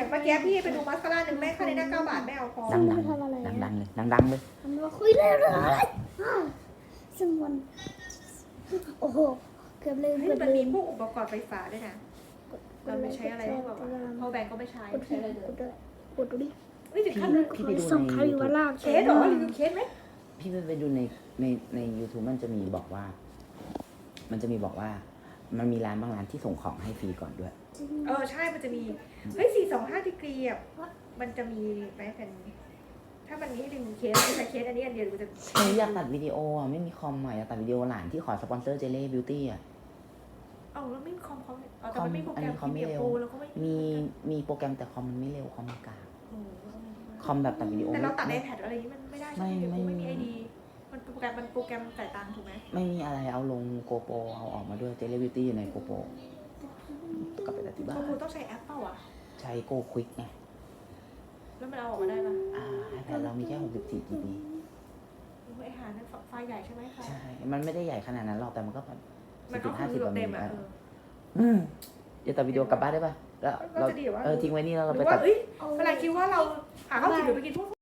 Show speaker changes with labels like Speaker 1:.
Speaker 1: เมื่อกี้พี่ไปดูมาสคาร่าหนึ่งแม่ค่าในหน้า9 บาทไม่เอาพอ
Speaker 2: ดังเลยดังเลย
Speaker 3: มันมาคุยเรื่องอะไรซึ่งมันโอ้โหเกือบเลย
Speaker 1: เฮ้ย
Speaker 3: เกือบ
Speaker 1: มัน
Speaker 3: เล
Speaker 1: มี
Speaker 3: ย
Speaker 1: พวกอุปกรณ์ไฟฟ้าด้วยนะเราไม่ใช้อะไรบ้างวะพอแบงก็ไม่ใช้
Speaker 3: กด
Speaker 1: ไม่ใช้อะไรเลย
Speaker 3: กดดูดิ
Speaker 1: นี่ถึงขั้นเลย
Speaker 2: พี่ไปดู
Speaker 3: ส่ง
Speaker 2: ใน
Speaker 3: ใครอยู่ว่าลาก
Speaker 1: เคสเหรอรีวิวเคสไหม
Speaker 2: พี่ไปดูใน YouTube มันจะมีบอกว่า มันมีร้านบางร้านที่ส่งของให้ฟรีก่อนด้วย
Speaker 1: ใช่มันจะมีเฮ้ย425ดีกรีอ่ะมันจะมีไหมเป็นถ้ามันมีให้รีวิวเคสใช้เคสอันนี้อันเดียวหรือจะ
Speaker 2: อยากตัดวิดีโออ่ะไม่มีคอมอ่ะอยากตัดวิดีโอหลานที่ขอสปอนเซอร์เจเล่บิวตี้อ่ะ
Speaker 1: แล้วไม่มีคอมเขาแต่มันไม่มีโปรแกรมที่เบียโปรแล้วก็ไม่
Speaker 2: มีโปรแกรมแต่คอมมันไม่เร็วคอมมันกาก
Speaker 1: โอ้
Speaker 2: คอมแบบตัดวิดีโอ
Speaker 1: แต่เราตัดในแพดอะไรนี้มันไม่ได้ใช่ไหมไม่มีไอดีมันโปรแกรมจ่ายตังค์ถูกไหม
Speaker 2: ไม่มีอะไรเอาลงโกโปรเอาออกมาด้วยเจเล่บิวตี้อยู่ในโกโปรกลับไปตัดที่บ้าน
Speaker 1: คุณต้องใช้แอปเปล่าอ่ะ
Speaker 2: ใช้โกควิกไง
Speaker 1: แล้วมันเอาออกมาได้ปะ
Speaker 2: iPad เรามีแค่64 GB
Speaker 1: ไอหานั่นไฟล์ใหญ่ใช่ไหมคะ
Speaker 2: ใช่ มันไม่ได้ใหญ่ขนาดนั้นหรอกแต่มันก็แบบ
Speaker 1: มันก็คือเต็มอ่ะ
Speaker 2: จะตัดวิดีโอกลับบ้านได้ป่ะแล้วเราทิ้งไว้นี่แล้วเรา
Speaker 1: ห
Speaker 2: ไป
Speaker 1: รือว่า
Speaker 2: ตัด
Speaker 1: เวลาคิดว่าเราหาข้าวกินหรือไปกินพวก